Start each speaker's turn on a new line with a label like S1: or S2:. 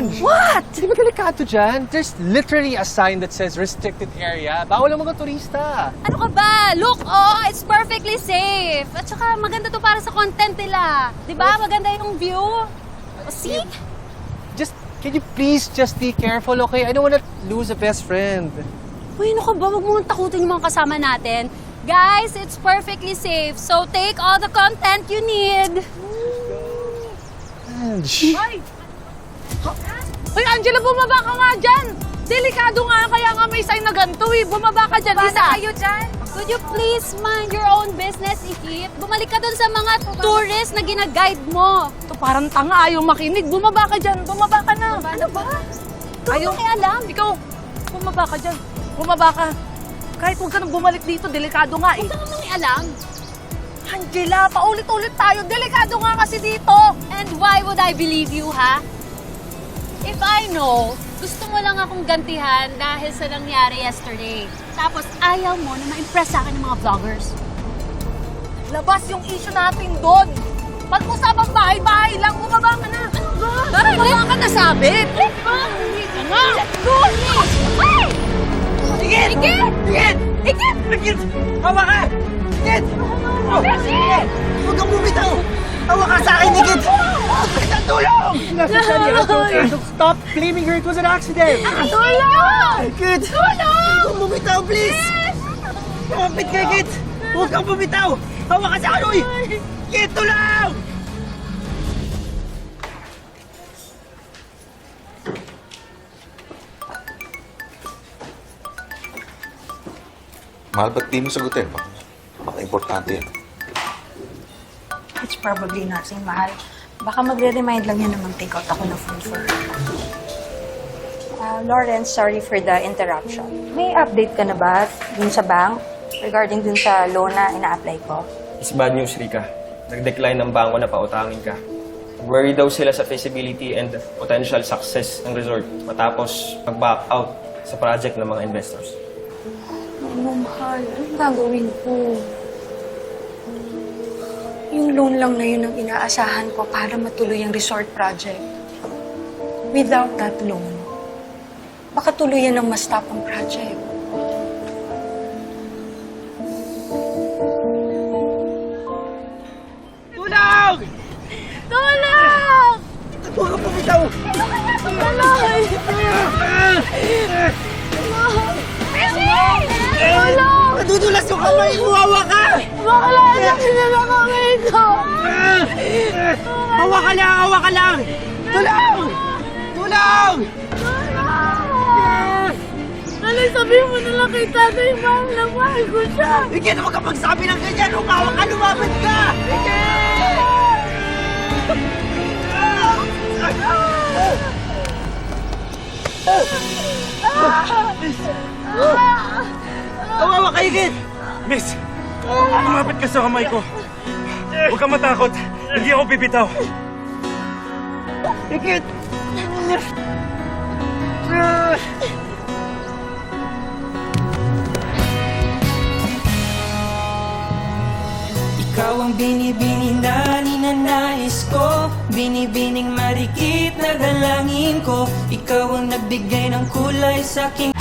S1: Ange!
S2: What?
S1: Di ba delikado dyan? There's literally a sign that says restricted area. Bawal ang mga turista.
S3: Ano ka ba? Look, oh, it's perfectly safe. At saka maganda to para sa content nila. Di ba? Maganda yung view. O, see?
S1: Can you please just be careful, okay? I don't wanna lose a best friend.
S3: Uy, ano ka ba? Huwag mong takutin yung mga kasama natin. Guys, it's perfectly safe. So take all the content you need.
S1: Ange!
S2: Uy, Angela, bumaba ka nga dyan! Delikado nga, kaya nga may sign na ganito eh. Bumaba ka dyan, isa.
S3: Kayo dyan? Could you please mind your own business, Ikit? Bumalik ka dun sa mga tourist na ginaguide mo.
S2: Ito parang tanga, ayaw makinig. Bumaba ka dyan, bumaba ka na.
S3: Ano ba?
S2: Ayaw.
S3: Alam.
S2: Ikaw, bumaba ka dyan. Bumaba ka. Kahit huwag ka nang bumalik dito, delikado nga eh.
S3: Huwag ka namang alam.
S2: Angela, paulit-ulit tayo. Delikado nga kasi dito.
S3: And why would I believe you, ha? If I know, gusto mo lang akong gantihan dahil sa nangyari yesterday. Tapos ayaw mo na ma-impress sa akin ng mga vloggers.
S2: Labas yung issue natin doon. Pag-usapang bahay-bahay lang, bumaba ka na. Ano ba? Bumaba ka na, sabi.
S3: Let's go! Let's go! Hey!
S4: Igit!
S3: Ikit!
S4: Igit!
S3: Ikit!
S4: Igit! Hawa ka! Igit!
S3: Ikit!
S4: Huwag kang bumitaw! Hawa ka sa akin, Igit! Isang tulong!
S1: Necessary, Angel, stop blaming her. It was an accident.
S3: Tulong!
S4: Igit!
S3: Tulong!
S4: Huwag kang bumitaw, please! Kumapit ka, Igit! Huwag kang bumitaw! Hawa ka sa akin, uy! Igit, tulong!
S5: Mahal, ba't di mo sagutin? Baka importante yan.
S6: It's probably nothing, mahal. Baka magre-remind lang yan na mag-take out ako ng phone for her. Lawrence, sorry for the interruption. May update ka na ba dun sa bank regarding dun sa loan na ina-apply ko?
S7: It's bad news, Rika. Nag-decline ng bangko na pautangin ka. Worry daw sila sa feasibility and potential success ng resort matapos mag-back out sa project ng mga investors.
S6: Ano, mahal? Anong gagawin ko? Yung loan lang na yun ang inaasahan ko para matuloy ang resort project. Without that loan, baka tuluyan ng ma-stop ang project.
S4: Tulong!
S3: Tulong!
S4: Huwag kang bumitaw!
S3: Tulong!
S4: Nadudulas yung kamay ko! Hawa ka!
S3: Bakala na sinala kami ito!
S4: Hawa ka lang! Hawa ka lang! Tulong! Tulong!
S3: Ano, sabihin mo na lang kay tatay, ma'am, na mahal ko siya.
S4: Igit, huwag ka magsabi ng ganyan! Humawa ka! Lumabad ka! Hawawa ka, Igit!
S8: Miss, lumapit ka sa kamay ko. Huwag kang matakot. Hindi ako bibitaw.
S4: Igit!
S9: Ikaw ang binibini na ninanais ko, binibining marikit na dalangin ko. Ikaw ang nagbigay ng kulay sa aking